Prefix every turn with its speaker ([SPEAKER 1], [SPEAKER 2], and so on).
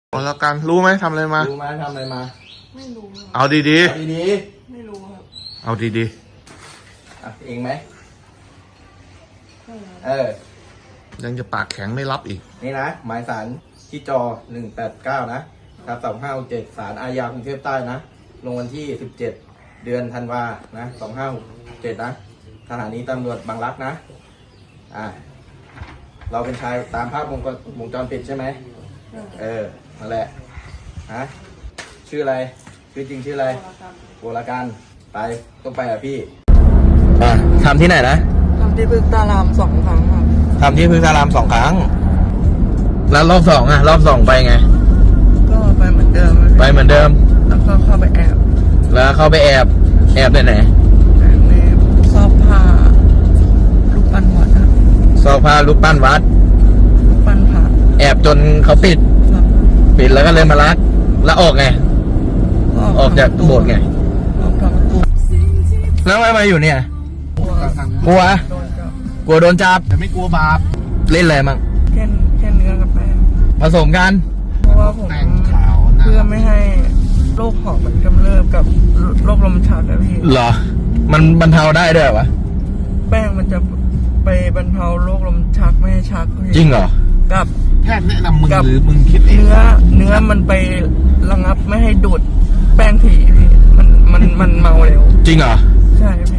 [SPEAKER 1] เอาละกันรู้ไหมทำอะไรมา
[SPEAKER 2] รู้ไหมทำอะไรมา
[SPEAKER 1] ไม่รู้เอาดี
[SPEAKER 2] ดี
[SPEAKER 1] ไม่รู้ครับเอาดี
[SPEAKER 2] ๆอ่ะเองไหม
[SPEAKER 1] ยังจะปากแข็งไม่รับอีก
[SPEAKER 2] นี่นะ หมายสารที่จอ189นะครับ2567ศาลอาญากรุงเทพใต้นะ ลงวันที่17เดือนธันวานะ2567นะสถานีตำรวจบางรักนะเราเป็นชายตามภาพวงจรปิดใช่ไหมนั่นแหละฮะชื่ออะไรชื่อจริงชื่ออะไรโบราการไปต้องไปพี่ทำที่ไหนนะ
[SPEAKER 3] ทำที่พึกษ์ตาราม2 ครั้งครับ
[SPEAKER 2] ทำที่พึกษ์ตาราม2 ครั้งแล้วรอบ2รอบ2ไปไง
[SPEAKER 3] ก็ไปเหมือนเดิม
[SPEAKER 2] ไปเหมือนเดิม
[SPEAKER 3] แล้วก็เข้าไปแอบ
[SPEAKER 2] แล้วเข้าไปแอบไหน
[SPEAKER 3] แอบในซอกผ้ารูปปั้นวัดครับ
[SPEAKER 2] ซอกผ้ารูปปั้นวัด
[SPEAKER 3] รูปปั้นพระ
[SPEAKER 2] แอบจนเขาปิดแล้วก็เลยมาลักแล้วออกไงออกจากโบสถ์ไง
[SPEAKER 3] ออกทางประตู
[SPEAKER 2] แล้วทำไมมาอยู่เนี่ยกลัวโดนจับ
[SPEAKER 1] แต่ไม่กลัวบาป
[SPEAKER 2] เล่นอะไรมั่ง
[SPEAKER 3] แค่เนื้อกับแป้ง
[SPEAKER 2] ผสมกัน
[SPEAKER 3] เพราะว่าผมเพื่อไม่ให้โรคหอบมันกำเริบกับโรคลมชักนะพี่
[SPEAKER 2] เหรอมันบรรเทาได้ด้วยวะ
[SPEAKER 3] แป้งมันจะไปบรรเทาโรคลมชักไม่ให้ชัก
[SPEAKER 2] จริงเหรอ
[SPEAKER 3] กับ
[SPEAKER 1] แพทย์แนะนำมึงหรือมึงคิดเอง
[SPEAKER 3] เนื้อมันไประงับไม่ให้ดูดแป้งถี่พี่มันเมาเร็ว
[SPEAKER 2] จริงเหรอ
[SPEAKER 3] ใช่พี่